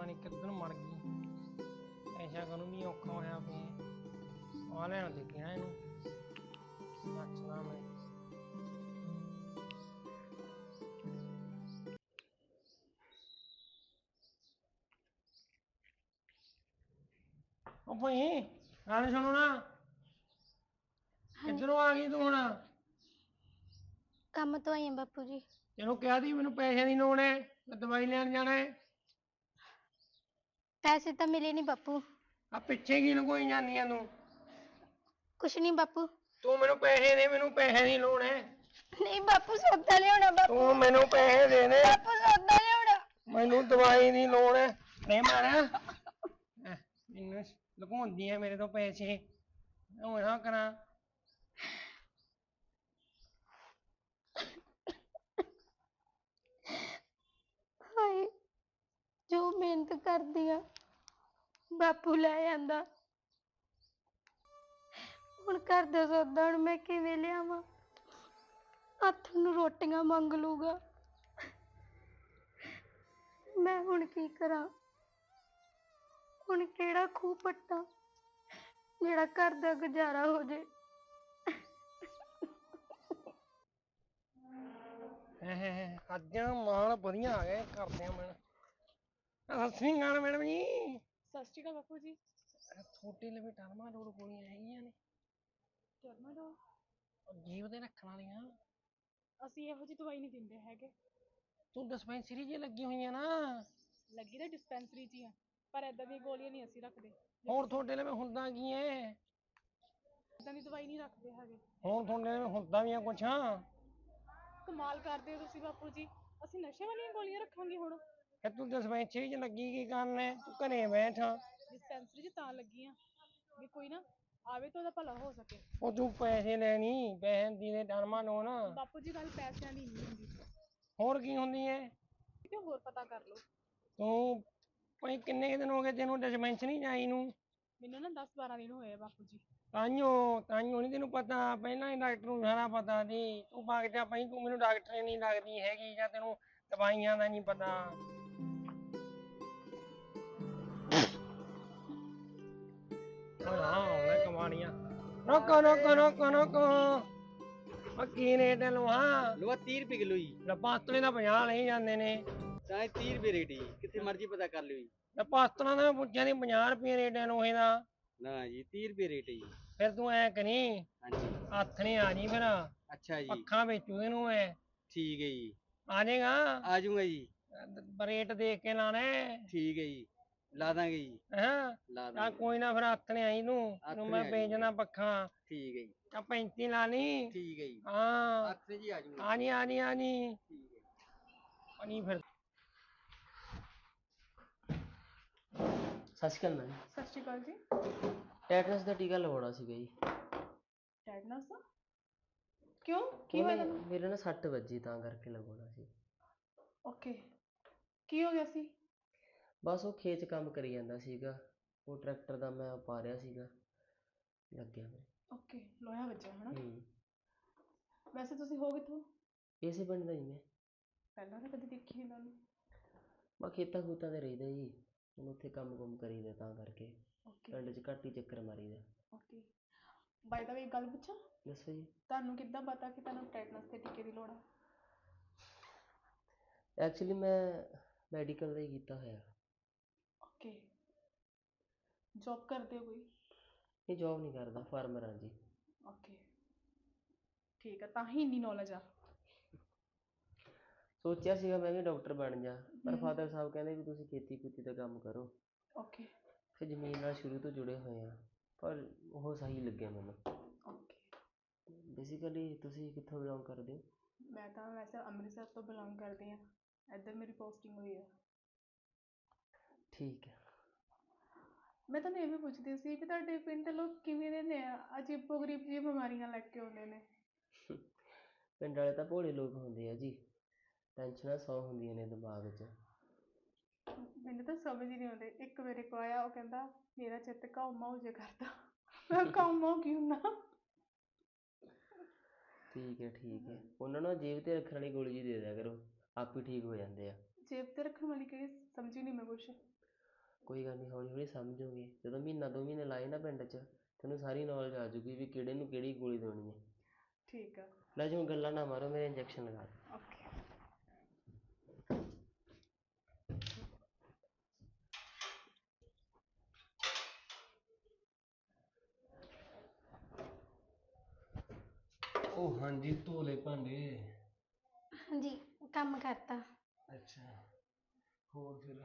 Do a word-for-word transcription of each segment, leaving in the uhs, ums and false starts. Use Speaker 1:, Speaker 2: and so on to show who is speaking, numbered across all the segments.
Speaker 1: ਪਤਾ ਨਹੀਂ ਕਿੱਧਰ ਮਰ ਗਈ। ਐਸਾ ਕਰੂ ਨਹੀਂ ਔਖਾ ਹੋਇਆ ਪਿਆ। ਆ ਲੈਣ ਦੇ ਗਿਆ ਇਹਨੂੰ ਨੱਚਣਾ ਮੈਂ। ਉਹ ਭਾਈ ਗੱਲ ਸੁਣੋ ਨਾ, ਕਿੱਧਰੋਂ ਆ ਗਈ ਤੂੰ ਹੁਣ?
Speaker 2: ਕੰਮ ਤੋਂ ਆਈ ਹਾਂ ਬਾਪੂ ਜੀ।
Speaker 1: ਤੈਨੂੰ ਕਿਹਾ ਸੀ ਮੈਨੂੰ ਪੈਸੇ ਦੀ ਲੋੜ ਹੈ, ਮੈਂ ਦਵਾਈ ਲੈਣ ਜਾਣਾ ਹੈ।
Speaker 2: ਪੈਸੇ ਤਾਂ ਮਿਲੇ ਨਹੀਂ ਬਾਪੂ।
Speaker 1: ਆ ਪਿੱਛੇ ਕੀ ਲੁਕੋਈ ਜਾਂਦੀ ਆ ਤੂੰ?
Speaker 2: ਕੁਛ ਨਹੀਂ ਬਾਪੂ।
Speaker 1: ਤੂੰ ਮੈਨੂੰ ਪੈਸੇ ਦੇ, ਮੈਨੂੰ ਪੈਸੇ ਦੀ ਲੋੜ ਹੈ।
Speaker 2: ਨਹੀਂ ਬਾਪੂ ਸੌਦਾ ਲਿਆਉਣਾ ਬਾਪੂ।
Speaker 1: ਤੂੰ ਮੈਨੂੰ ਪੈਸੇ ਦੇ ਦੇ।
Speaker 2: ਬਾਪੂ ਸੌਦਾ ਲਿਆਉਣਾ।
Speaker 1: ਮੈਨੂੰ ਦਵਾਈ ਦੀ ਲੋੜ ਹੈ। ਨਹੀਂ ਮਾਰਿਆ ਮੈਨੂੰ ਲੁਕਾਉਂਦੀ ਹੈ ਮੇਰੇ ਤੋਂ ਪੈਸੇ। ਉਹ ਨਾ ਕਰਾਂ।
Speaker 2: ਹਾਏ ਜੋ ਮਿਹਨਤ ਕਰਦੀ ਆ ਬਾਪੂ ਲੈ ਜਾਂਦਾ। ਹੁਣ ਘਰ ਦਾ ਸੌਦਾ ਹੁਣ ਮੈਂ ਕਿਵੇਂ ਲਿਆਵਾਂ? ਹੱਥ ਨੂੰ ਰੋਟੀਆਂ ਮੰਗ ਲੂਗਾ। ਮੈਂ ਹੁਣ ਕੀ ਕਰਾਂ? ਹੁਣ ਕਿਹੜਾ ਖੂਹ ਪੱਟਾਂ ਜਿਹੜਾ ਘਰ ਦਾ ਗੁਜ਼ਾਰਾ ਹੋ ਜੇ?
Speaker 1: ਅੱਜ ਮਾਲ ਵਧੀਆ ਆ ਗਏ ਕਰਦੇ ਆ ਮੈਂ। ਸਤਿ ਸ੍ਰੀ ਅਕਾਲ ਮੈਡਮ ਜੀ।
Speaker 3: ਸਤਿ ਸ਼੍ਰੀ ਅਕਾਲ ਬਾਪੂ ਜੀ।
Speaker 1: ਛੋਟੇ ਲਵੇ ਟਰਮਾ ਲੋੜ ਗੋਲੀਆਂ ਹੈਗੀਆਂ ਨੇ?
Speaker 3: ਟਰਮਾਡੋਲ?
Speaker 1: ਜੀਵ ਦੇ ਰੱਖਣ ਵਾਲੀਆਂ।
Speaker 3: ਅਸੀਂ ਇਹੋ ਜਿਹੀ ਦਵਾਈ ਨਹੀਂ ਦਿੰਦੇ ਹੈਗੇ।
Speaker 1: ਤੂੰ ਡਿਸਪੈਂਸਰੀ 'ਚ ਲੱਗੀ ਹੋਈਆਂ ਨਾ।
Speaker 3: ਲੱਗੀ ਤਾਂ ਡਿਸਪੈਂਸਰੀ 'ਚ ਹੀ ਆ, ਪਰ ਏਦਾਂ ਦੀਆਂ ਗੋਲੀਆਂ ਨਹੀਂ ਅਸੀਂ ਰੱਖਦੇ।
Speaker 1: ਹੋਰ ਤੁਹਾਡੇ ਲਵੇ ਹੁੰਦਾ ਕੀ ਹੈ?
Speaker 3: ਏਦਾਂ ਦੀ ਦਵਾਈ ਨਹੀਂ ਰੱਖਦੇ ਹੈਗੇ।
Speaker 1: ਹੋਰ ਤੁਹਾਡੇ ਲਵੇ ਹੁੰਦਾ ਵੀ ਆ ਕੁਛ?
Speaker 3: ਕਮਾਲ ਕਰਦੇ ਹੋ ਤੁਸੀਂ ਬਾਪੂ ਜੀ। ਅਸੀਂ ਨਸ਼ੇ ਵਾਲੀਆਂ ਗੋਲੀਆਂ ਰੱਖਾਂਗੇ ਹੁਣ?
Speaker 1: ਫਿਰ ਤੂੰ ਡਿਸਪੈਂਸਰੀ 'ਚ ਲੱਗੀ ਕੀ ਕਰਨ ਹੈ? ਤੂੰ ਘਰੇ ਬੈਠ।
Speaker 3: ਡਿਸਪੈਂਸਰੀ 'ਚ ਤਾਂ ਲੱਗੀ ਆ ਵੀ ਕੋਈ ਨਾ ਆਵੇ ਤਾਂ ਉਹਦਾ ਭਲਾ ਹੋ ਸਕੇ।
Speaker 1: ਉਹ ਤੂੰ ਪੈਸੇ ਲੈਣੀ, ਪੈਸੇ ਦੀ ਦੇ ਟਰਮਾ ਲੋਨ।
Speaker 3: ਬਾਪੂ ਜੀ ਗੱਲ ਪੈਸਿਆਂ ਦੀ ਨਹੀਂ ਹੁੰਦੀ।
Speaker 1: ਹੋਰ ਕੀ ਹੁੰਦੀ ਹੈ?
Speaker 3: ਕਿਤੇ ਹੋਰ ਪਤਾ ਕਰ ਲਓ।
Speaker 1: ਤੂੰ ਭਾਈ ਕਿੰਨੇ ਕੁ ਦਿਨ ਹੋ ਗਏ ਤੈਨੂੰ ਡਿਸਪੈਂਸਰੀ 'ਚ ਆਈ ਨੂੰ?
Speaker 3: ਮੈਨੂੰ ਨਾ ਦਸ ਬਾਰਾਂ ਦਿਨ ਹੋਏ ਆ ਬਾਪੂ ਜੀ।
Speaker 1: ਤਾਈਓ ਤਾਈਓ ਨਹੀਂ ਤੈਨੂੰ ਪਤਾ, ਪਹਿਲਾਂ ਹੀ ਡਾਕਟਰ ਨੂੰ ਸਾਰਾ ਪਤਾ ਸੀ। ਤੂੰ ਭਾਗ ਜਾ ਭਾਈ, ਤੂੰ ਮੈਨੂੰ ਡਾਕਟਰ ਨਹੀਂ ਲੱਗਦੀ ਹੈਗੀ ਜਾਂ ਤੈਨੂੰ ਦਵਾਈਆਂ ਦਾ ਨਹੀਂ ਪਤਾ। ਹਾਂ ਉਹਨੇ ਕਮਾਣੀਆਂ। ਰੋਕੋ ਰੋਕੋ ਰੋਕੋ ਰੋਕੋ। ਉਹ ਕੀ ਰੇਟ ਹੈ ਲੋਹਾ?
Speaker 4: ਲੋਹਾ ਤੀਹ ਰੁਪਏ ਕਿਲੋ ਜੀ।
Speaker 1: ਪਾਸਤਲੇ ਦਾ ਪੰਜਾਹ ਲਈ ਜਾਂਦੇ ਨੇ।
Speaker 4: ਚਾਹੇ ਤੀਹ ਰੁਪਏ ਰੇਟ ਜੀ, ਕਿੱਥੇ ਮਰਜ਼ੀ ਪਤਾ ਕਰ ਲਿਓ ਜੀ।
Speaker 1: ਪਾਸਤਲਾਂ ਦਾ ਮੈਂ ਪੁੱਛਿਆ ਸੀ ਪੰਜਾਹ ਰੁਪਏ ਰੇਟ ਹੈ ਲੋਹੇ ਦਾ।
Speaker 4: ਨਾ ਜੀ ਤੀਹ ਰੁਪਏ ਰੇਟ ਹੈ ਜੀ।
Speaker 1: ਫਿਰ ਤੂੰ ਐ ਕਰੀ
Speaker 4: ਹਾਂਜੀ
Speaker 1: ਹੱਥ ਨੇ ਆ ਜੀ ਫਿਰ।
Speaker 4: ਅੱਛਾ ਜੀ
Speaker 1: ਅੱਖਾਂ ਵੇਚੂ ਇਹਨੂੰ ਮੈਂ।
Speaker 4: ਠੀਕ ਹੈ ਜੀ।
Speaker 1: ਆ ਜਾਏਗਾ?
Speaker 4: ਆ ਜਾਊਗਾ ਜੀ।
Speaker 1: ਰੇਟ ਦੇਖ ਕੇ ਲਾਣਾ।
Speaker 4: ਠੀਕ ਹੈ ਜੀ, ਲਾ ਦਾਂਗੇ ਜੀ।
Speaker 1: ਹਾਂ
Speaker 4: ਲਾ
Speaker 1: ਆ
Speaker 4: ਦਾਂਗੇ।
Speaker 1: ਕੋਈ ਨਾ ਫਿਰ ਹੱਥ ਨੇ ਆਈ ਤੂੰ ਤੈਨੂੰ ਮੈਂ ਵੇਚਣਾ ਪੱਖਾ।
Speaker 4: ਠੀਕ ਹੈ ਜੀ।
Speaker 1: ਆ ਪੈਂਤੀ ਲਾ ਲਈ।
Speaker 4: ਠੀਕ ਹੈ ਜੀ।
Speaker 1: ਹਾਂ
Speaker 4: ਹੱਥ ਜੀ ਆ ਜਾਊਗਾ।
Speaker 1: ਆ ਜੀ ਆ ਜੀ ਆ ਜੀ।
Speaker 4: ਠੀਕ ਹੈ
Speaker 1: ਪਾਣੀ ਫਿਰ।
Speaker 5: ਸਤਿ ਸ਼੍ਰੀ ਅਕਾਲ ਮੈਮ।
Speaker 3: ਸਤਿ ਸ਼੍ਰੀ ਅਕਾਲ ਜੀ।
Speaker 5: ਟੈਟਨਸ ਦਾ ਟੀਕਾ ਲਵਾਉਣਾ ਸੀਗਾ ਜੀ।
Speaker 3: ਟੈਟਨਸ ਦਾ? ਕਿਉਂ ਕੀ ਹੋਇਆ ਤੁਹਾਨੂੰ?
Speaker 5: ਮੇਰੇ ਨਾ ਸੱਟ ਵੱਜੀ ਤਾਂ ਕਰਕੇ ਲਵਾਉਣਾ ਸੀ।
Speaker 3: ਓਕੇ ਕੀ ਹੋ ਗਿਆ ਸੀ?
Speaker 5: ਬਸ ਉਹ ਖੇਤ 'ਚ ਕੰਮ ਕਰੀ ਜਾਂਦਾ ਸੀਗਾ, ਉਹ ਟਰੈਕਟਰ ਦਾ ਮੈਂ ਪਾ ਰਿਹਾ ਸੀਗਾ, ਲੱਗਿਆ ਮੇਰੇ।
Speaker 3: ਓਕੇ ਲੋਹਾ ਵੱਜਿਆ ਹਨਾ।
Speaker 5: ਹੂੰ।
Speaker 3: ਵੈਸੇ ਤੁਸੀਂ ਹੋ ਕਿੱਥੋਂ?
Speaker 5: ਇਸੇ ਪਿੰਡ ਦਾ ਜੀ ਮੈਂ।
Speaker 3: ਪਹਿਲਾਂ ਤਾਂ ਕਦੇ ਦੇਖੀ ਨਹੀਂ ਤੁਹਾਨੂੰ।
Speaker 5: ਬਸ ਖੇਤਾਂ ਖੂਤਾਂ 'ਤੇ ਰਹੀਦਾ ਜੀ, ਹੁਣ ਉੱਥੇ ਕੰਮ ਕੁੰਮ ਕਰੀਦਾ ਤਾਂ ਕਰਕੇ
Speaker 3: ਓਕੇ
Speaker 5: ਪਿੰਡ 'ਚ ਘੱਟ ਹੀ ਚੱਕਰ ਮਾਰੀਦਾ।
Speaker 3: ਓਕੇ ਬਾਈ ਦਾ ਵੇ ਇੱਕ ਗੱਲ ਪੁੱਛਾਂ?
Speaker 5: ਦੱਸੋ ਜੀ।
Speaker 3: ਤੁਹਾਨੂੰ ਕਿੱਦਾਂ ਪਤਾ ਕਿ ਤੁਹਾਨੂੰ ਟੈਟਨਸ ਦੇ ਟੀਕੇ ਦੀ ਲੋੜ ਆ?
Speaker 5: ਐਕਚੁਅਲੀ ਮੈਂ ਮੈਡੀਕਲ ਦਾ ਹੀ ਕੀਤਾ ਹੋਇਆ।
Speaker 3: ਓਕੇ ਜੌਬ ਕਰਦੇ ਹੋ ਕੋਈ?
Speaker 5: ਨਹੀਂ ਜੋਬ ਨਹੀਂ ਕਰਦਾ, ਫਾਰਮਰ ਹਾਂ ਜੀ।
Speaker 3: ਓਕੇ ਠੀਕ ਆ, ਤਾਂ ਹੀ ਇੰਨੀ ਨੌਲੇਜ ਆ।
Speaker 5: ਸੋਚਿਆ ਸੀਗਾ ਮੈਂ ਵੀ ਡਾਕਟਰ ਬਣ ਜਾ, ਪਰ
Speaker 3: ਹਮ।
Speaker 5: ਫਾਦਰ ਸਾਹਿਬ ਕਹਿੰਦੇ ਵੀ ਤੁਸੀਂ ਖੇਤੀ ਖੂਤੀ ਦਾ ਕੰਮ ਕਰੋ।
Speaker 3: ਓਕੇ
Speaker 5: ਫਿਰ ਜ਼ਮੀਨ ਨਾਲ ਸ਼ੁਰੂ ਤੋਂ ਜੁੜੇ ਹੋਏ ਆ, ਪਰ ਉਹ ਸਹੀ ਲੱਗਿਆ ਮੈਨੂੰ।
Speaker 3: ਓਕੇ
Speaker 5: ਬੇਸਿਕਲੀ ਤੁਸੀਂ ਕਿੱਥੋਂ ਬਿਲੋਂਗ ਕਰਦੇ ਹੋ?
Speaker 3: ਮੈਂ ਤਾਂ ਵੈਸੇ ਅੰਮ੍ਰਿਤਸਰ ਤੋਂ ਬਿਲੋਂਗ ਕਰਦੀ ਹਾਂ, ਇੱਧਰ ਮੇਰੀ ਪੋਸਟਿੰਗ ਹੋਈ ਆ।
Speaker 5: ਠੀਕ ਹੈ।
Speaker 3: ਮੈਂ ਤੁਹਾਨੂੰ ਇਹ ਵੀ ਪੁੱਛਦੀ ਸੀ ਕਿ ਤੁਹਾਡੇ ਪਿੰਡ ਦੇ ਲੋਕ ਕਿਵੇਂ ਦੇ ਨੇ? ਅਜੀਬੋ ਗਰੀਬ ਜਿਹੀ ਬਿਮਾਰੀਆਂ ਲੈ ਕੇ ਆਉਂਦੇ ਨੇ।
Speaker 5: ਪਿੰਡ ਵਾਲੇ ਤਾਂ ਭੋਲੇ ਲੋਕ ਹੁੰਦੇ ਆ ਜੀ, ਟੈਨਸ਼ਨਾਂ ਸੌ ਹੁੰਦੀਆਂ ਨੇ ਦਿਮਾਗ 'ਚ।
Speaker 3: ਮੈਨੂੰ ਤਾਂ ਸਮਝ ਹੀ ਨਹੀਂ ਆਉਂਦੇ। ਇੱਕ ਮੇਰੇ ਕੋਲ ਆਇਆ, ਉਹ ਕਹਿੰਦਾ ਮੇਰਾ ਚਿੱਤ ਘਾਉ ਮਾਊ ਜੇ ਕਰਦਾ। ਮੈਂ ਘਾਉ ਮਾਊ ਕੀ ਹੁੰਦਾ?
Speaker 5: ਠੀਕ ਹੈ ਠੀਕ ਹੈ, ਉਹਨਾਂ ਨੂੰ ਜੇਬ 'ਤੇ ਰੱਖਣ ਵਾਲੀ ਗੋਲੀ ਜੀ ਦੇ ਦਿਆ ਕਰੋ, ਆਪ ਹੀ ਠੀਕ ਹੋ ਜਾਂਦੇ ਆ।
Speaker 3: ਜੇਬ ਤੇ ਰੱਖਣ ਵਾਲੀ ਕਿਹੜੀ? ਸਮਝੀ ਨਹੀਂ ਮੈਂ ਕੁਛ।
Speaker 5: ਕੋਈ ਗੱਲ ਨਹੀਂ, ਹੌਲੀ ਹੌਲੀ ਸਮਝੋਗੇ। ਜਦੋਂ ਮਹੀਨਾ ਦੋ ਮਹੀਨੇ ਲਾਏ ਨਾ ਪਿੰਡ 'ਚ, ਤੈਨੂੰ ਸਾਰੀ ਨੌਲੇਜ ਆ ਜੂਗੀ ਵੀ ਕਿਹੜੇ ਨੂੰ ਕਿਹੜੀ ਗੋਲੀ ਦੇਣੀ ਹੈ।
Speaker 3: ਠੀਕ ਆ।
Speaker 5: ਲੈ ਜਿਵੇਂ ਗੱਲਾਂ ਨਾ ਮਾਰੋ, ਮੇਰੇ ਇੰਜੈਕਸ਼ਨ ਲਗਾ ਦਿਓ।
Speaker 3: ਓਕੇ।
Speaker 1: ਉਹ ਹਾਂਜੀ, ਧੋ ਲਏ ਭਾਂਡੇ।
Speaker 2: ਹਾਂਜੀ, ਕੰਮ ਕਰਤਾ।
Speaker 1: ਅੱਛਾ, ਹੋਰ ਫਿਰ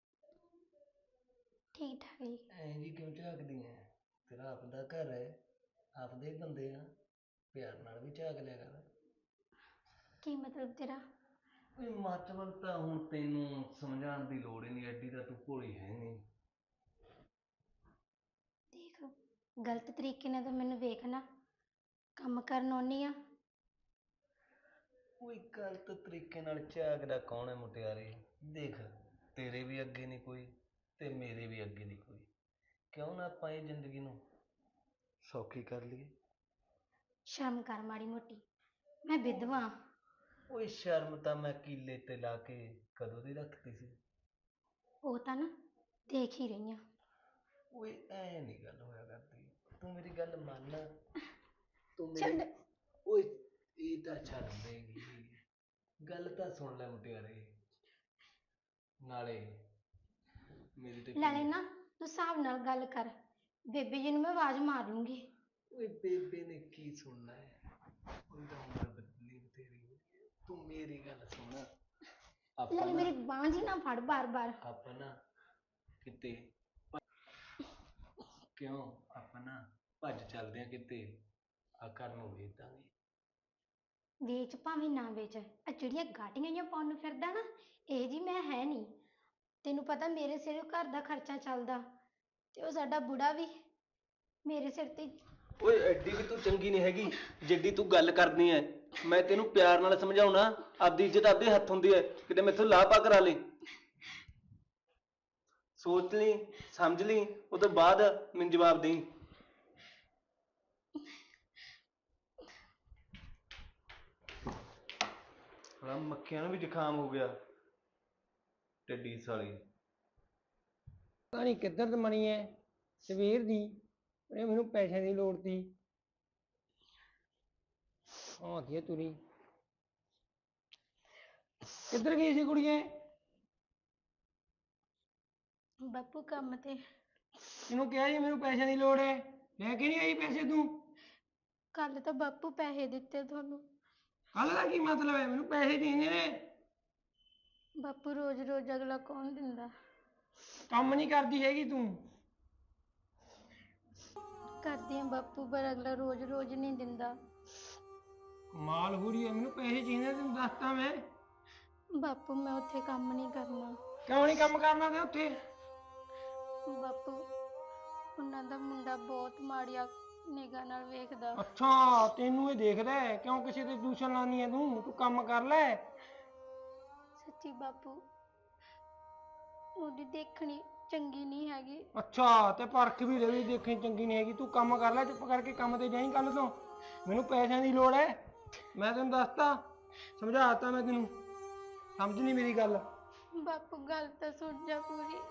Speaker 2: ਠੀਕ ਠਾਕ ਜੀ।
Speaker 1: ਐਂ ਜੀ ਕਿਉਂ ਝਾਕਦੀ ਐ? ਤੇਰਾ ਆਪਦਾ ਘਰ ਹੈ, ਆਪਦੇ ਬੰਦੇ ਆ, ਪਿਆਰ ਨਾਲ ਵੀ ਝਾਕ ਲਿਆ ਕਰ।
Speaker 2: ਕੀ ਮਤਲਬ ਤੇਰਾ?
Speaker 1: ਓਏ ਮਤਲਬ ਤਾਂ ਹੁਣ ਤੈਨੂੰ ਸਮਝਾਉਣ ਦੀ ਲੋੜ ਹੀ ਨਹੀਂ, ਐਡੀ ਤਾਂ ਤੂੰ ਭੋਲੀ ਹੈ ਨਹੀਂ।
Speaker 2: ਦੇਖ, ਗਲਤ ਤਰੀਕੇ ਨਾਲ ਤਾਂ ਮੈਨੂੰ ਵੇਖ ਨਾ, ਕੰਮ ਕਰਨ ਆਉਣੀ ਆ।
Speaker 1: ਕੋਈ ਗਲਤ ਤਰੀਕੇ ਨਾਲ ਝਾਕਦਾ ਕੌਣ ਹੈ ਮੁਟਿਆਰੇ? ਦੇਖ, ਤੇਰੇ ਵੀ ਅੱਗੇ ਨਹੀਂ ਕੋਈ ਤੇ ਮੇਰੇ ਵੀ ਅੱਗੇ ਨਹੀਂ ਕੋਈ, ਕਿਉਂ ਨਾ ਆਪਾਂ ਇਹ ਜ਼ਿੰਦਗੀ ਨੂੰ ਸੌਖੀ ਕਰ ਲਈਏ।
Speaker 2: ਸ਼ਰਮ ਕਰ ਮਾੜੀ ਮੋਟੀ, ਮੈਂ ਵਿਧਵਾ।
Speaker 1: ਓਏ ਸ਼ਰਮ ਤਾਂ ਮੈਂ ਕੀਲੇ ਤੇ ਲਾ ਕੇ ਕਦੋਂ ਦੀ ਰੱਖਤੀ ਸੀ।
Speaker 2: ਉਹ ਤਾਂ ਨਾ ਦੇਖ ਹੀ ਰਹੀ ਆ।
Speaker 1: ਓਏ ਐ ਨਹੀਂ ਗੱਲ ਹੋਇਆ ਕਰਦੀ, ਤੂੰ ਮੇਰੀ ਗੱਲ ਮੰਨ। ਤੂੰ
Speaker 2: ਛੱਡ।
Speaker 1: ਮੇਰੀ ਓਏ ਇਹ ਤਾਂ ਛੱਡ ਦੇਗੀ, ਗੱਲ ਤਾਂ ਸੁਣ ਲੈ ਮੁਟਿਆਰੇ। ਨਾਲੇ ਮੇਰੀ ਤੇ
Speaker 2: ਨਾਲੇ ਨਾ ਤੂੰ ਹਿਸਾਬ ਨਾਲ ਗੱਲ ਕਰ, ਬੇਬੇ ਜੀ ਨੂੰ ਮੈਂ ਆਵਾਜ਼ ਮਾਰ ਲੂੰਗੀ।
Speaker 1: ਓਏ ਬੇਬੇ ਨੇ ਕੀ ਸੁਣਨਾ ਹੈ? ਉਹਦੀ ਤਾਂ ਉਮਰ ਬਦਲੀ ਬਥੇਰੀ ਹੋ ਗਈ ਹੈ। ਤੂੰ ਮੇਰੀ ਗੱਲ ਸੁਣ। ਆਪਾਂ
Speaker 2: ਨਾਲੇ
Speaker 1: ਨਾ
Speaker 2: ਮੇਰੀ ਬਾਂਹ ਜੀ ਨਾ ਫੜ ਬਾਰ ਬਾਰ।
Speaker 1: ਆਪਾਂ ਨਾ ਕਿਤੇ ਕਿਉਂ ਆਪਾਂ ਨਾ ਭੱਜ ਚੱਲਦੇ ਆ ਕਿਤੇ, ਆ ਘਰ ਨੂੰ ਵੇਚ ਦਾਂਗੇ।
Speaker 2: ਵੇਚ ਭਾਵੇਂ ਨਾ ਵੇਚ, ਆ ਜਿਹੜੀਆਂ ਗਾਟੀਆਂ ਜਿਹੀਆਂ ਪਾਉਣ ਨੂੰ ਫਿਰਦਾ ਨਾ, ਇਹ ਜੀ ਮੈਂ ਹੈ ਨਹੀਂ। ਤੈਨੂੰ ਪਤਾ ਮੇਰੇ ਸਿਰ ਘਰ ਦਾ ਖਰਚਾ ਚੱਲਦਾ, ਤੇ ਉਹ ਸਾਡਾ ਬੁੜਾ ਵੀ ਮੇਰੇ ਸਿਰ ਤੇ।
Speaker 1: ਓਏ ਐਡੀ ਵੀ ਤੂੰ ਚੰਗੀ ਨਹੀਂ ਹੈਗੀ ਜਿੱਡੀ ਤੂੰ ਗੱਲ ਕਰਦੀ ਐ। ਮੈਂ ਤੈਨੂੰ ਪਿਆਰ ਨਾਲ ਸਮਝਾਉਣਾ, ਆਪਦੀ ਇੱਜ਼ਤ ਆਪਦੇ ਹੱਥ ਹੁੰਦੀ ਹੈ, ਕਿਤੇ ਮੈਥੋਂ ਲਾਪਾ ਕਰਾ ਲਈ। ਸੋਚ ਲਈ, ਸਮਝ ਲਈ, ਉਹ ਤੋਂ ਬਾਅਦ ਮੈਨੂੰ ਜਵਾਬ ਦੇਈਂ। ਹਾਂ, ਮੱਖੀਆਂ ਨੂੰ ਵੀ ਜ਼ੁਕਾਮ ਹੋ ਗਿਆ, ਟੱਡੀ ਸਾਲੀ। ਪਤਾ ਨਹੀਂ ਕਿੱਧਰ ਮਣੀ ਐ ਸਵੇਰ ਦੀ, ਉਹਨੇ ਮੈਨੂੰ ਪੈਸਿਆਂ ਦੀ ਲੋੜ ਸੀ। ਆਉਂਦੀ ਐ ਤੁਰੀ, ਕਿੱਧਰ ਗਈ ਸੀ ਕੁੜੀਏ?
Speaker 2: ਬਾਪੂ ਕੰਮ ਤੇ।
Speaker 1: ਤੈਨੂੰ ਕਿਹਾ ਸੀ ਮੈਨੂੰ ਪੈਸਿਆਂ ਦੀ ਲੋੜ ਹੈ, ਲੈ ਕੇ ਨਹੀਂ ਆਈ ਪੈਸੇ ਤੂੰ?
Speaker 2: ਕੱਲ ਤਾਂ ਬਾਪੂ ਪੈਸੇ ਦਿੱਤੇ ਤੁਹਾਨੂੰ।
Speaker 1: ਕੱਲ ਦਾ ਕੀ ਮਤਲਬ ਹੈ? ਮੈਨੂੰ ਪੈਸੇ ਚਾਹੀਦੇ ਨੇ।
Speaker 2: ਬਾਪੂ ਰੋਜ਼ ਰੋਜ਼ ਅਗਲਾ ਕੌਣ ਦਿੰਦਾ?
Speaker 1: ਕੰਮ ਨਹੀਂ ਕਰਦੀ ਹੈਗੀ ਤੂੰ।
Speaker 2: ਕਰਦੀ ਆ ਬਾਪੂ, ਪਰ ਅਗਲਾ ਰੋਜ਼ ਰੋਜ਼ ਨਹੀਂ ਦਿੰਦਾ।
Speaker 1: ਕਮਾਲ ਹੋ ਰਹੀ ਹੈ, ਮੈਨੂੰ ਪੈਸੇ ਚਾਹੀਦੇ, ਤੈਨੂੰ ਦੱਸਤਾ ਮੈਂ।
Speaker 2: ਬਾਪੂ ਮੈਂ ਉੱਥੇ ਕੰਮ ਨਹੀਂ ਕਰਨਾ।
Speaker 1: ਕਿਉਂ ਨਹੀਂ ਕੰਮ ਕਰਨਾ ਤੇ ਉੱਥੇ?
Speaker 2: ਬਾਪੂ ਉਹਨਾਂ ਦਾ ਮੁੰਡਾ ਬਹੁਤ ਮਾੜੀਆਂ ਨਿਗਾਹ ਨਾਲ ਵੇਖਦਾ।
Speaker 1: ਅੱਛਾ, ਤੈਨੂੰ ਇਹ ਦੇਖਦਾ ਹੈ? ਕਿਉਂ ਕਿਸੇ ਤੇ ਟਿਊਸ਼ਨ ਲਾਉਣੀ ਹੈ ਤੂੰ? ਤੂੰ ਕੰਮ ਕਰ ਲੈ।
Speaker 2: ਸੱਚੀ ਬਾਪੂ, ਉਹਦੀ ਦੇਖਣੀ ਚੰਗੀ ਨਹੀਂ ਹੈਗੀ।
Speaker 1: ਅੱਛਾ, ਤੇ ਪਰਖ ਵੀ ਰਹੀ ਦੇਖਣੀ ਚੰਗੀ ਨਹੀਂ ਹੈਗੀ। ਤੂੰ ਕੰਮ ਕਰ ਲੈ, ਚੁੱਪ ਕਰਕੇ ਕੰਮ ਤੇ ਜਾਈਂ ਕੱਲ ਤੋਂ। ਮੈਨੂੰ ਪੈਸਿਆਂ ਦੀ ਲੋੜ ਹੈ, ਮੈਂ ਤੈਨੂੰ ਦੱਸਤਾ, ਸਮਝਾਤਾ ਮੈਂ ਤੈਨੂੰ, ਸਮਝ ਨਹੀਂ ਮੇਰੀ ਗੱਲ।
Speaker 2: ਬਾਪੂ ਗੱਲ ਤਾਂ ਸੁਣ ਜਾ ਪੂਰੀ।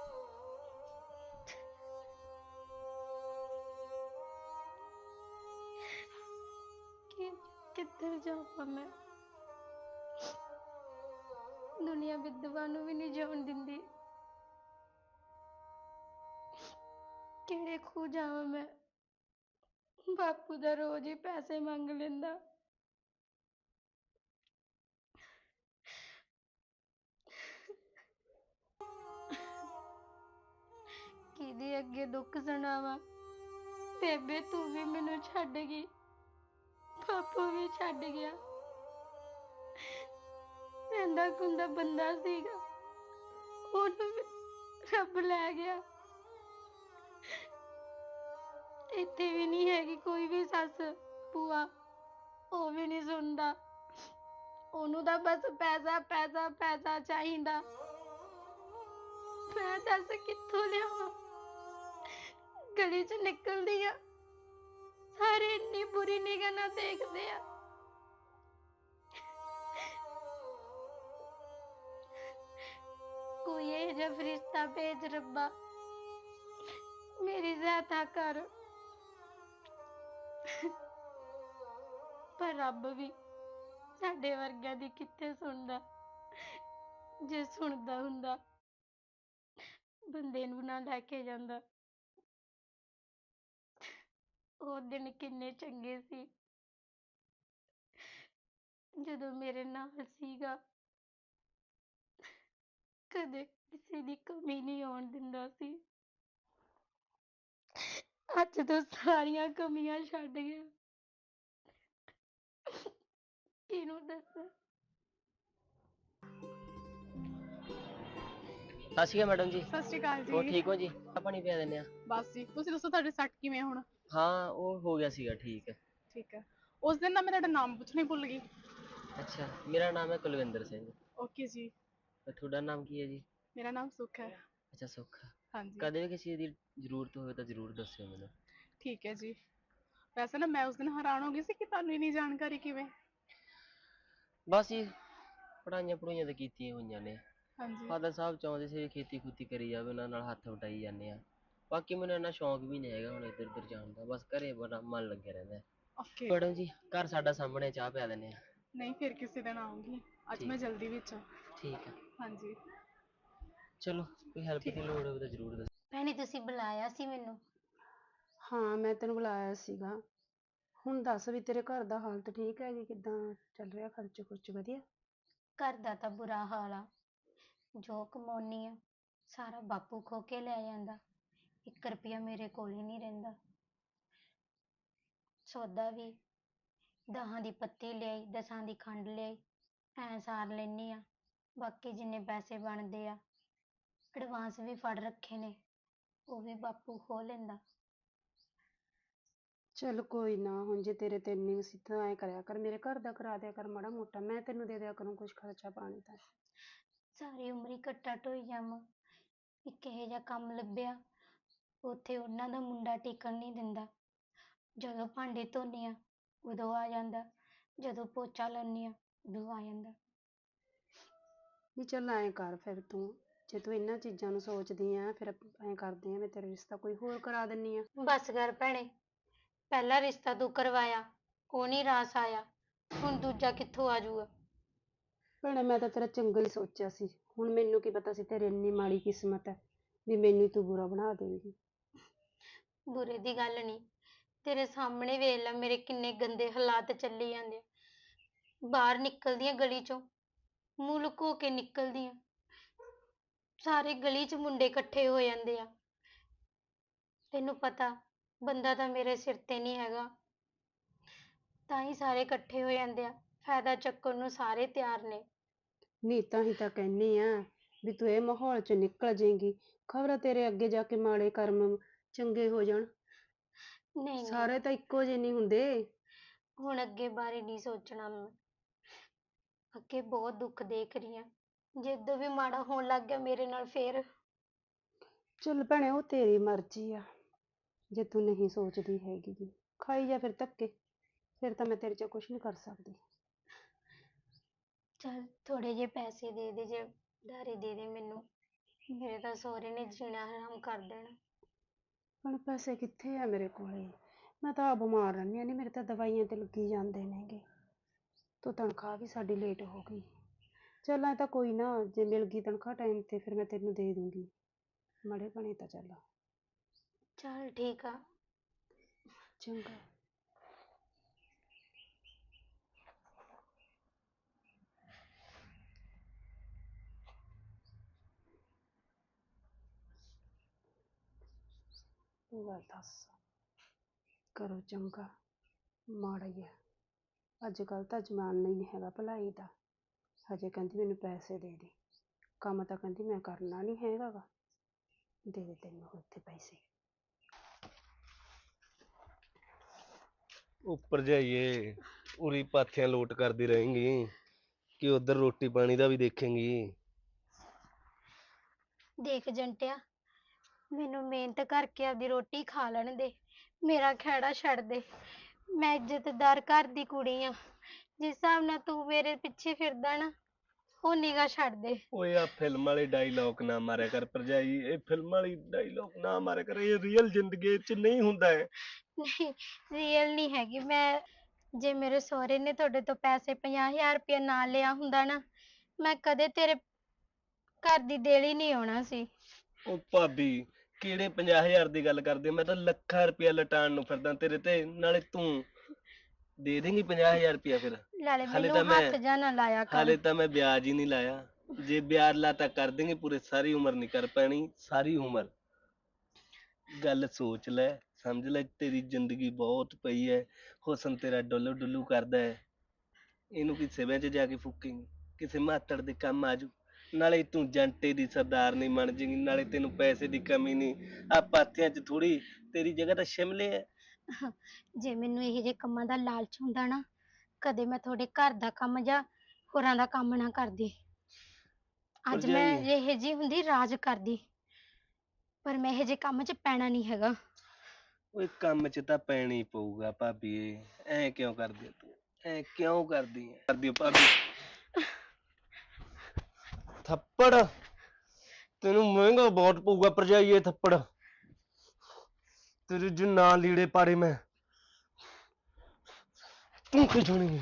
Speaker 2: ਕਿ ਕਿੱਧਰ ਜਾਵਾਂ ਮੈਂ? ਦੁਨੀਆ ਵਿਧਵਾ ਨੂੰ ਵੀ ਨਹੀਂ ਜਿਉਣ ਦਿੰਦੀ। ਕਿਹੜੇ ਖੂਹ ਜਾਵਾਂ ਮੈਂ? ਬਾਪੂ ਦਾ ਰੋਜ਼ ਹੀ ਪੈਸੇ ਮੰਗ ਲੈਂਦਾ। ਕਿਹਦੇ ਅੱਗੇ ਦੁੱਖ ਸੁਣਾਵਾਂ? ਬੇਬੇ ਤੂੰ ਵੀ ਮੈਨੂੰ ਛੱਡ ਗਈ, ਬਾਪੂ ਵੀ ਛੱਡ ਗਿਆ। ਰਹਿੰਦਾ ਖੁੰਦਾ ਬੰਦਾ ਸੀਗਾ, ਉਹਨੂੰ ਵੀ ਰੱਬ ਲੈ ਗਿਆ। ਇੱਥੇ ਵੀ ਨਹੀਂ ਹੈਗੀ ਕੋਈ ਵੀ ਸੱਸ ਭੂਆ, ਉਹ ਵੀ ਨਹੀਂ ਸੁਣਦਾ। ਉਹਨੂੰ ਤਾਂ ਬਸ ਪੈਸਾ ਪੈਸਾ ਪੈਸਾ ਚਾਹੀਦਾ। ਮੈਂ ਦੱਸ ਕਿੱਥੋਂ ਲਿਆਵਾਂ? ਗਲੀ ਚ ਨਿਕਲਦੀ ਆ, ਸਾਰੇ ਇੰਨੀ ਬੁਰੀ ਨਿਗਾਹ ਨਾਲ ਦੇਖਦੇ ਆ। ਕੋਈ ਇਹ ਜਿਹਾ ਸਿਰਫ ਰਿਸ਼ਤਾ ਭੇਜ ਰੱਬਾ, ਮੇਰੀ ਸਹਾਇਤਾ ਕਰ। ਪਰ ਰੱਬ ਵੀ ਸਾਡੇ ਵਰਗਿਆਂ ਦੀ ਕਿੱਥੇ ਸੁਣਦਾ। ਜੇ ਸੁਣਦਾ ਹੁੰਦਾ ਬੰਦੇ ਨੂੰ ਨਾ ਲੈ ਕੇ ਜਾਂਦਾ। ਉਹ ਦਿਨ ਕਿੰਨੇ ਚੰਗੇ ਸੀ ਜਦੋਂ ਮੇਰੇ ਨਾਲ ਸੀਗਾ। ਕਦੇ ਕਿਸੇ ਦੀ ਕਮੀ ਨਹੀਂ ਆਉਣ ਦਿੰਦਾ ਸੀ। ਅੱਜ ਤੋਂ ਸਾਰੀਆਂ ਕਮੀਆਂ ਛੱਡ ਗਿਆ। ਕਿਹਨੂੰ ਦੱਸਾਂ?
Speaker 5: ਸਤਿ ਸ਼੍ਰੀ ਅਕਾਲ ਮੈਡਮ ਜੀ।
Speaker 3: ਸਤਿ ਸ਼੍ਰੀ ਅਕਾਲ
Speaker 5: ਹੋਰ
Speaker 3: ਜੀ।
Speaker 5: ਠੀਕ ਹੋ ਜੀ? ਚਾਹ ਪਾਣੀ ਪਿਆ ਦਿੰਦੇ ਆ।
Speaker 3: ਬਸ ਜੀ, ਤੁਸੀਂ ਦੱਸੋ ਤੁਹਾਡੇ ਸੱਟ ਕਿਵੇਂ ਆ ਹੁਣ?
Speaker 5: ਹਾਂ ਉਹ ਹੋ ਗਿਆ ਸੀਗਾ ਠੀਕ ਹੈ।
Speaker 3: ਠੀਕ ਹੈ। ਉਸ ਦਿਨ ਨਾ ਮੈਂ ਤੁਹਾਡਾ ਨਾਮ ਪੁੱਛਣਾ ਹੀ ਭੁੱਲ ਗਈ।
Speaker 5: ਅੱਛਾ, ਮੇਰਾ ਨਾਮ ਹੈ ਕੁਲਵਿੰਦਰ ਸਿੰਘ।
Speaker 3: ਓਕੇ ਜੀ।
Speaker 5: ਤੇ ਤੁਹਾਡਾ ਨਾਮ ਕੀ ਹੈ ਜੀ?
Speaker 3: ਮੇਰਾ ਨਾਮ ਸੁਖ ਹੈ।
Speaker 5: ਅੱਛਾ ਸੁੱਖ।
Speaker 3: ਹਾਂਜੀ।
Speaker 5: ਕਦੇ ਵੀ ਕਿਸੇ ਦੀ ਜ਼ਰੂਰਤ ਹੋਵੇ ਤਾਂ ਜ਼ਰੂਰ ਦੱਸਿਓ ਮੈਨੂੰ।
Speaker 3: ਠੀਕ ਹੈ ਜੀ। ਵੈਸੇ ਨਾ ਮੈਂ ਉਸ ਦਿਨ ਹੈਰਾਨ ਹੋ ਗਈ ਸੀ ਕਿ ਤੁਹਾਨੂੰ ਇੰਨੀ ਜਾਣਕਾਰੀ ਕਿਵੇਂ।
Speaker 5: ਬਸ ਜੀ ਪੜ੍ਹਾਈਆਂ ਪੜ੍ਹਾਈਆਂ ਤਾਂ ਕੀਤੀਆਂ ਹੋਈਆਂ ਨੇ।
Speaker 3: ਹਾਂਜੀ।
Speaker 5: ਫਾਦਰ ਸਾਹਿਬ ਚਾਹੁੰਦੇ ਸੀ ਖੇਤੀ ਖੂਤੀ ਕਰੀ ਜਾਵੇ, ਉਹਨਾਂ ਨਾਲ ਹੱਥ ਵਟਾਈ ਜਾਂਦੇ ਆ। ਬਾਕੀ ਮੈਨੂੰ ਇੰਨਾ ਸ਼ੌਂਕ ਵੀ ਨਹੀਂ ਹੈਗਾ ਹੁਣ ਇੱਧਰ ਉੱਧਰ ਜਾਣ ਦਾ, ਬਸ ਘਰੇ ਬੜਾ ਮਨ ਲੱਗਿਆ ਰਹਿੰਦਾ।
Speaker 3: ਓਕੇ।
Speaker 5: ਮੈਡਮ ਜੀ ਘਰ ਸਾਡਾ ਸਾਹਮਣੇ, ਚਾਹ ਪਿਆ ਦਿੰਦੇ ਆ।
Speaker 3: ਨਹੀਂ ਫਿਰ ਕਿਸੇ ਦਿਨ ਆਉਂਗੀ, ਅੱਜ
Speaker 5: ਠੀਕ
Speaker 3: ਮੈਂ ਜਲਦੀ ਵਿੱਚ ਹਾਂ।
Speaker 5: ਠੀਕ ਹੈ।
Speaker 3: ਹਾਂਜੀ।
Speaker 5: ਚਲੋ ਕੋਈ ਹੈਲਪ
Speaker 3: ਠੀਕ।
Speaker 5: ਦੀ ਲੋੜ ਹੋਵੇ ਤਾਂ ਜ਼ਰੂਰ ਦੱਸੋ।
Speaker 2: ਭੈਣੇ ਤੁਸੀਂ ਬੁਲਾਇਆ ਸੀ ਮੈਨੂੰ?
Speaker 6: ਹਾਂ ਮੈਂ ਤੈਨੂੰ ਬੁਲਾਇਆ ਸੀਗਾ। ਹੁਣ ਦੱਸ ਵੀ ਤੇਰੇ ਘਰ ਦਾ ਹਾਲਤ ਠੀਕ ਹੈ ਜੀ? ਕਿੱਦਾਂ ਚੱਲ ਰਿਹਾ ਖਰਚ ਖੁਰਚ ਵਧੀਆ?
Speaker 2: ਘਰ ਦਾ ਤਾਂ ਬੁਰਾ ਹਾਲ ਆ। ਜੋ ਕਮਾਉਣੀ ਆ ਸਾਰਾ ਬਾਪੂ ਖੋ ਕੇ ਲੈ ਜਾਂਦਾ। ਇੱਕ ਰੁਪਿਆ ਮੇਰੇ ਕੋਲ ਹੀ ਨਹੀਂ ਰਹਿੰਦਾ। ਸੌਦਾ ਵੀ ਦਹਾਂ ਦੀ ਪੱਤੀ ਲਿਆਈ, ਦਸਾਂ ਦੀ ਖੰਡ ਲਿਆਈ, ਐਂ ਸਾਰ ਲੈਂਦੀ ਆ। ਬਾਕੀ ਜਿੰਨੇ ਪੈਸੇ ਬਣਦੇ ਆ ਐਡਵਾਂਸ ਵੀ ਫੜ ਰੱਖੇ ਨੇ, ਉਹ ਵੀ ਬਾਪੂ ਖੋਹ ਲੈਂਦਾ।
Speaker 6: ਚੱਲ ਕੋਈ ਨਾ, ਹੁਣ ਜੇ ਤੇਰੇ ਤੇ ਇੰਨੀ ਸੀ ਤਾਂ ਐਂ ਕਰਿਆ ਕਰ, ਮੇਰੇ ਘਰ ਦਾ ਕਰਾ ਦਿਆ ਕਰ ਮਾੜਾ ਮੋਟਾ, ਮੈਂ ਤੈਨੂੰ ਦੇ ਦਿਆ ਕਰੂੰ ਕੁਛ ਖਰਚਾ ਪਾਣੀ ਦਾ।
Speaker 2: ਸਾਰੀ ਉਮਰ ਹੀ ਕੱਟਾ ਢੋਈ ਜਾਵਾਂ। ਇੱਕ ਇਹੋ ਜਿਹਾ ਕੰਮ ਲੱਭਿਆ ਉੱਥੇ ਉਹਨਾਂ ਦਾ ਮੁੰਡਾ ਟਿਕਣ ਨਹੀਂ ਦਿੰਦਾ। ਜਦੋਂ ਭਾਂਡੇ ਧੋਨੀ ਆ ਉਦੋਂ ਆ ਜਾਂਦਾ, ਜਦੋਂ ਪੋਚਾ ਲਾਉਂਦੀ ਆ ਉਦੋਂ ਆ ਜਾਂਦਾ।
Speaker 6: ਨਹੀਂ ਚੱਲ ਐਂ ਕਰ ਫਿਰ ਤੂੰ, ਜੇ ਤੂੰ ਇਹਨਾਂ ਚੀਜ਼ਾਂ ਨੂੰ ਸੋਚਦੀ ਆ ਫਿਰ ਐਂ ਕਰਦੇ ਆ ਮੈਂ ਤੇਰਾ ਰਿਸ਼ਤਾ ਕੋਈ ਹੋਰ ਕਰਾ ਦਿੰਨੀ ਆ।
Speaker 2: ਬਸ ਕਰ ਭੈਣੇ, ਪਹਿਲਾ ਰਿਸ਼ਤਾ ਤੂੰ ਕਰਵਾਇਆ ਉਹ ਨਹੀਂ ਰਾਸ ਆਇਆ, ਹੁਣ ਦੂਜਾ ਕਿੱਥੋਂ ਆ ਜਾਊਗਾ?
Speaker 6: ਭੈਣੇ ਮੈਂ ਤਾਂ ਤੇਰਾ ਚੰਗਾ ਹੀ ਸੋਚਿਆ ਸੀ, ਹੁਣ ਮੈਨੂੰ ਕੀ ਪਤਾ ਸੀ ਤੇਰੀ ਇੰਨੀ ਮਾੜੀ ਕਿਸਮਤ ਹੈ ਵੀ ਮੈਨੂੰ ਤੂੰ ਬੁਰਾ ਬਣਾ ਦੇਂਗੀ।
Speaker 2: ਬੁਰੇ ਦੀ ਗੱਲ ਨਹੀਂ, ਤੇਰੇ ਸਾਹਮਣੇ ਵੇਖ ਲੈ ਮੇਰੇ ਕਿੰਨੇ ਗੰਦੇ ਹਾਲਾਤ ਚੱਲੀ ਜਾਂਦੇ ਆ। ਬਾਹਰ ਨਿਕਲਦੀ ਆ ਗਲੀ ਚੋਂ, ਮੂੰਹ ਲੁਕੋ ਕੇ ਨਿਕਲਦੀ ਆ, ਸਾਰੇ ਗਲੀ 'ਚ ਮੁੰਡੇ ਇਕੱਠੇ ਹੋ ਜਾਂਦੇ ਆ। ਤੈਨੂੰ ਪਤਾ ਬੰਦਾ ਤਾਂ ਮੇਰੇ ਸਿਰ ਤੇ ਨਹੀਂ ਹੈਗਾ, ਤਾਂ ਹੀ ਸਾਰੇ ਇਕੱਠੇ ਹੋ ਜਾਂਦੇ ਆ, ਫਾਇਦਾ ਚੱਕਣ ਨੂੰ ਸਾਰੇ ਤਿਆਰ ਨੇ।
Speaker 6: ਨਹੀਂ ਤਾਂ ਹੀ ਤਾਂ ਕਹਿੰਨੀ ਆ ਵੀ ਤੂੰ ਇਹ ਮਾਹੌਲ ਚ ਨਿਕਲ ਜਾਏਂਗੀ, ਖਬਰ ਤੇਰੇ ਅੱਗੇ ਜਾ ਕੇ ਮਾੜੇ ਕਰਮ ਚੰਗੇ ਹੋ ਜਾਣ।
Speaker 2: ਨਹੀਂ ਨਹੀਂ,
Speaker 6: ਸਾਰੇ ਤਾਂ ਇੱਕੋ ਜਿਹੇ ਨਹੀਂ ਹੁੰਦੇ।
Speaker 2: ਹੁਣ ਅੱਗੇ ਬਾਰੇ ਨਹੀਂ ਸੋਚਣਾ ਮੈਂ, ਅੱਗੇ ਬਹੁਤ ਦੁੱਖ ਦੇਖ ਰਹੀ ਹਾਂ। ਜਦੋਂ ਵੀ ਮਾੜਾ ਹੋਣ ਲੱਗ ਗਿਆ ਮੇਰੇ ਨਾਲ ਫੇਰ।
Speaker 6: ਚੱਲ ਭੈਣੇ ਉਹ ਤੇਰੀ ਮਰਜ਼ੀ ਆ, ਜੇ ਤੂੰ ਨਹੀਂ ਸੋਚਦੀ ਹੈਗੀ ਗੀ ਖਾਈ ਜਾ ਫਿਰ ਧੱਕੇ, ਫਿਰ ਤਾਂ ਮੈਂ ਤੇਰੇ 'ਚ ਕੁਛ ਨਹੀਂ ਕਰ ਸਕਦੀ।
Speaker 2: ਚੱਲ ਥੋੜੇ ਜਿਹੇ ਪੈਸੇ ਦੇ ਦੇ, ਜੇ ਉਧਾਰੇ ਦੇ ਦੇ ਮੈਨੂੰ, ਮੇਰੇ ਤਾਂ ਸਹੁਰੇ ਨੇ ਜੀਣਾ ਹਰਾਮ ਕਰ ਦੇਣਾ।
Speaker 6: ਹੁਣ ਪੈਸੇ ਕਿੱਥੇ ਆ ਮੇਰੇ ਕੋਲੇ, ਮੈਂ ਤਾਂ ਆਪ ਬਿਮਾਰ ਰਹਿੰਦੀ ਹਾਂ, ਨਹੀਂ ਮੇਰੇ ਤਾਂ ਦਵਾਈਆਂ ਤੇ ਲੱਗੀ ਜਾਂਦੇ ਨੇਗੇ, ਤੋ ਤਨਖਾਹ ਵੀ ਸਾਡੀ ਲੇਟ ਹੋ ਗਈ। ਚੱਲ ਐ ਤਾਂ ਕੋਈ ਨਾ, ਜੇ ਮਿਲ ਗਈ ਤਨਖਾਹ ਟਾਈਮ ਤੇ ਫਿਰ ਮੈਂ ਤੈਨੂੰ ਦੇ ਦੂੰਗੀ, ਮਾੜੇ ਬਣੇ ਤਾਂ ਚੱਲ।
Speaker 2: ਚੱਲ ਠੀਕ ਆ।
Speaker 6: ਚੰਗਾ। ਤੂੰ ਗੱਲ ਦੱਸ, ਕਰੋ ਚੰਗਾ ਮਾੜਾ ਹੀ ਹੈ, ਅੱਜ ਕੱਲ੍ਹ ਤਾਂ ਜ਼ਮਾਨਾ ਹੀ ਨਹੀਂ ਹੈਗਾ ਭਲਾਈ ਦਾ। ਹਜੇ ਕਹਿੰਦੀ ਮੈਨੂੰ ਪੈਸੇ ਦੇ ਦੇ, ਕੰਮ ਤਾਂ ਕਹਿੰਦੀ ਮੈਂ ਕਰਨਾ ਨਹੀਂ ਹੈਗਾ ਗਾ, ਦੇ ਦੇ ਤੈਨੂੰ ਉੱਥੇ ਪੈਸੇ।
Speaker 7: ਉੱਪਰ ਜਾਈਏ, ਉਰੀ ਪਾਥੀਆਂ ਲੋਟ ਕਰਦੀ ਰਹੇਂਗੀ ਕਿ ਉਧਰ ਰੋਟੀ ਪਾਣੀ ਦਾ ਵੀ ਦੇਖੇਂਗੀ?
Speaker 2: ਦੇਖ ਜੰਟਿਆ, ਮੈਨੂੰ ਮਿਹਨਤ ਕਰਕੇ ਆਪਦੀ ਰੋਟੀ ਖਾ ਲੈਣ ਦੇ, ਮੇਰਾ ਖਹਿੜਾ ਛੱਡ ਦੇ। ਮੈਂ ਇੱਜ਼ਤਦਾਰ ਘਰ ਦੀ ਕੁੜੀ ਆ, ਜਿਸ ਹਿਸਾਬ ਨਾਲ ਤੂੰ ਮੇਰੇ ਪਿੱਛੇ ਫਿਰਦਾ ਨਾ, ਉਹ ਨਿਗਾਹ ਛੱਡ ਦੇ।
Speaker 7: ਓਏ ਆ ਫਿਲਮ ਵਾਲੇ ਡਾਇਲੌਗ ਨਾ ਮਾਰਿਆ ਕਰ ਭਰਜਾਈ, ਇਹ ਫਿਲਮ ਵਾਲੀ ਡਾਇਲੌਗ ਨਾ ਮਾਰਿਆ ਕਰ, ਇਹ ਰੀਅਲ ਜ਼ਿੰਦਗੀ 'ਚ ਨਹੀਂ ਹੁੰਦਾ ਹੈ।
Speaker 2: ਨਹੀਂ, ਰੀਅਲ ਨਹੀਂ ਹੈਗੀ ਮੈਂ। ਜੇ ਮੇਰੇ ਸਹੁਰੇ ਨੇ ਤੁਹਾਡੇ ਤੋਂ ਪੈਸੇ ਪੰਜਾਹ ਹਜ਼ਾਰ ਰੁਪਇਆ ਨਾ ਲਿਆ ਹੁੰਦਾ ਨਾ, ਮੈਂ ਕਦੇ ਤੇਰੇ ਘਰ ਦੀ ਦੇਲੀ ਨਹੀਂ ਆਉਣਾ ਸੀ।
Speaker 7: ਉਹ ਭਾਬੀ ਕਿਹੜੇ ਪੰਜਾਹ ਹਜ਼ਾਰ ਦੀ ਗੱਲ ਕਰਦੇ, ਮੈਂ ਤਾਂ ਲੱਖਾਂ ਰੁਪਇਆ ਲਟਾਉਣ ਨੂੰ ਫਿਰਦਾ ਤੇਰੇ ਤੇ, ਨਾਲੇ ਤੂੰ ਦੇ ਦੇਂਗੀ ਪੰਜਾਹ ਹਜ਼ਾਰ ਰੁਪਇਆ ਫਿਰ?
Speaker 2: ਨਾਲੇ
Speaker 7: ਹਾਲੇ
Speaker 2: ਮੈਨੂੰ
Speaker 7: ਤਾਂ ਮੈਂ
Speaker 2: ਹੱਥ ਜਾ ਨਾ ਲਾਇਆ ਕਰ।
Speaker 7: ਹਾਲੇ ਤਾਂ ਮੈਂ ਵਿਆਜ ਹੀ ਨਹੀਂ ਲਾਇਆ, ਜੇ ਵਿਆਜ ਲਾਤਾ ਕਰ ਦੇਂਗੇ ਪੂਰੇ, ਸਾਰੀ ਉਮਰ ਨਹੀਂ ਕਰ ਪੈਣੀ, ਸਾਰੀ ਉਮਰ। ਗੱਲ ਸੋਚ ਲੈ, ਸਮਝ ਲੈ, ਤੇਰੀ ਜ਼ਿੰਦਗੀ ਬਹੁਤ ਪਈ ਹੈ, ਹੁਸਨ ਤੇਰਾ ਡੁੱਲੂ ਡੁੱਲੂ ਕਰਦਾ ਹੈ, ਇਹਨੂੰ ਕੀ ਸਿਵਿਆਂ 'ਚ ਜਾ ਕੇ ਫੂਕੇਂਗੀ, ਕਿਸੇ ਮਾਤੜ ਦੇ ਕੰਮ ਆਜੂ। ਨਾਲੇ ਤੂੰ ਜੰਟੇ ਦੀ ਸਰਦਾਰਨੀ ਬਣ ਜਾਏਗੀ, ਨਾਲੇ ਤੈਨੂੰ ਪੈਸੇ ਦੀ ਕਮੀ ਨਹੀਂ, ਆ ਪਾਥੀਆਂ 'ਚ ਥੋੜੀ ਤੇਰੀ ਜਗ੍ਹਾ ਤਾਂ ਸ਼ਿਮਲੇ ਹੈ।
Speaker 2: ਜੇ ਮੈਨੂੰ ਇਹੋ ਜਿਹੇ ਕੰਮਾਂ ਦਾ ਲਾਲਚ ਹੁੰਦਾ ਨਾ, ਕਦੇ ਮੈਂ ਤੁਹਾਡੇ ਘਰ ਦਾ ਕੰਮ ਜਾਂ ਹੋਰਾਂ ਦਾ ਕੰਮ ਨਾ ਕਰਦੀ। ਅੱਜ ਮੈਂ
Speaker 7: ਭਰਜਾਈ।
Speaker 2: ਇਹੋ ਜਿਹੀ ਹੁੰਦੀ ਰਾਜ ਕਰਦੀ, ਪਰ ਮੈਂ ਇਹੋ ਜਿਹੇ ਕੰਮ 'ਚ ਪੈਣਾ ਨਹੀਂ ਹੈਗਾ।
Speaker 7: ਓਏ ਕੰਮ 'ਚ ਤਾਂ ਪੈਣਾ ਹੀ ਪਊਗਾ ਭਾਬੀ, ਐ ਕਿਉਂ ਕਰਦੀ ਹੈ ਤੂੰ, ਐ ਕਿਉਂ ਕਰਦੀ ਹੈ ਕਰਦੀ ਹੈ ਭਾਬੀ? ਥੱਪੜ ਤੈਨੂੰ ਮਹਿੰਗਾ ਬਹੁਤ ਪਊਗਾ ਭਰਜਾਈ, ਇਹ ਥੱਪੜ ਤੇਰੇ ਜੋ ਨਾ ਲੀੜੇ ਪਾੜੇ ਮੈਂ, ਤੂੰ ਕੀ ਸੁਣੀ?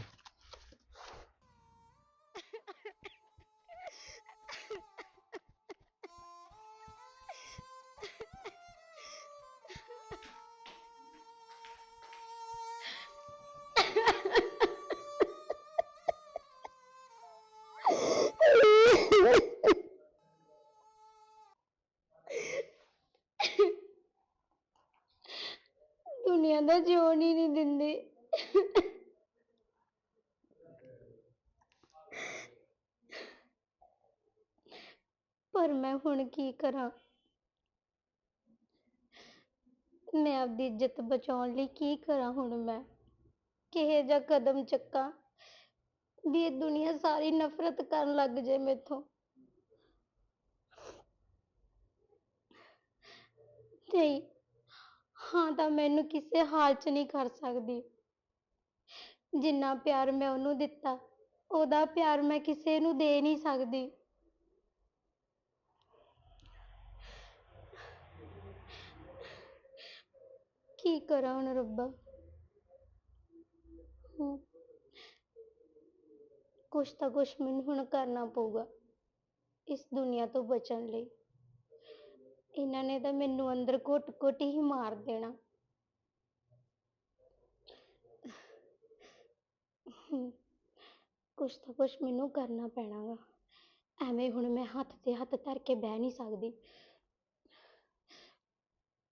Speaker 2: ਦੁਨੀਆ ਦਾ ਜਿਉਣ ਹੀ ਨਹੀਂ ਦਿੰਦੀ। ਪਰ ਮੈਂ ਹੁਣ ਕੀ ਕਰਾਂ? ਮੈਂ ਆਪਦੀ ਇੱਜ਼ਤ ਬਚਾਉਣ ਲਈ ਕੀ ਕਰਾਂ ਹੁਣ? ਮੈਂ ਕਿਹੋ ਜਿਹਾ ਕਦਮ ਚੱਕਾਂ ਵੀ ਇਹ ਦੁਨੀਆ ਸਾਰੀ ਨਫ਼ਰਤ ਕਰਨ ਲੱਗ ਜੇ ਮੈਥੋਂ? ਨਹੀਂ, ਹਾਂ ਤਾਂ ਮੈਨੂੰ ਕਿਸੇ ਹਾਲ 'ਚ ਨਹੀਂ ਕਰ ਸਕਦੀ। ਜਿੰਨਾ ਪਿਆਰ ਮੈਂ ਉਹਨੂੰ ਦਿੱਤਾ, ਉਹਦਾ ਪਿਆਰ ਮੈਂ ਕਿਸੇ ਨੂੰ ਦੇ ਨਹੀਂ ਸਕਦੀ। ਕੀ ਕਰਾਂ ਹੁਣ ਰੱਬਾ? ਹਮ, ਕੁਛ ਤਾਂ ਕੁਛ ਮੈਨੂੰ ਹੁਣ ਕਰਨਾ ਪਊਗਾ ਇਸ ਦੁਨੀਆ ਤੋਂ ਬਚਣ ਲਈ। ਇਹਨਾਂ ਨੇ ਤਾਂ ਮੈਨੂੰ ਅੰਦਰ ਘੁੱਟ-ਘੁੱਟ ਹੀ ਮਾਰ ਦੇਣਾ। ਹਮ, ਕੁਛ ਤਾਂ ਕੁਛ ਮੈਨੂੰ ਕਰਨਾ ਪੈਣਾ ਗਾ। ਐਵੇਂ ਹੁਣ ਮੈਂ ਹੱਥ ਤੇ ਹੱਥ ਧਰ ਕੇ ਬਹਿ ਨਹੀਂ ਸਕਦੀ।